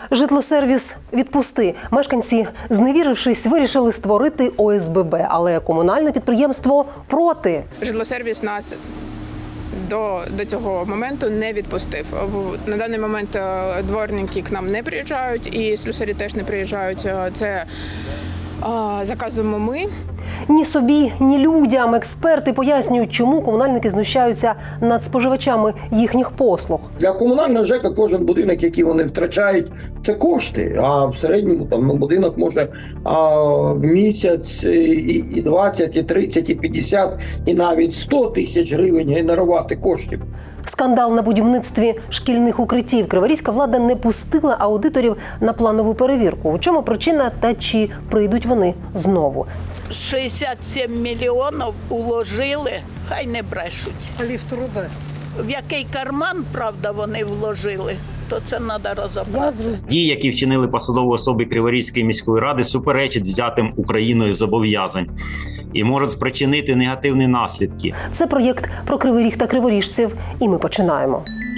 Житлосервіс «Відпусти». Мешканці, зневірившись, вирішили створити ОСББ, але комунальне підприємство проти. Житлосервіс нас до цього моменту не відпустив. На даний момент дворники к нам не приїжджають і слюсарі теж не приїжджають. Це заказуємо ми. Ні собі, ні людям. Експерти пояснюють, чому комунальники знущаються над споживачами їхніх послуг. Для комунального ЖЕКа кожен будинок, який вони втрачають, це кошти. А в середньому будинок може в місяць і 20, і 30, і 50, і навіть 100 тисяч гривень генерувати коштів. Скандал на будівництві шкільних укриттів. Криворізька влада не пустила аудиторів на планову перевірку. У чому причина та чи прийдуть вони знову? 67 мільйонів уложили, хай не брешуть. Ліфтруби. В який карман, правда, вони вложили, то це треба розібратися. Дії, які вчинили посадові особи Криворізької міської ради, суперечать взятим Україною зобов'язань і можуть спричинити негативні наслідки. Це проєкт про Кривий Ріг та криворіжців. І ми починаємо.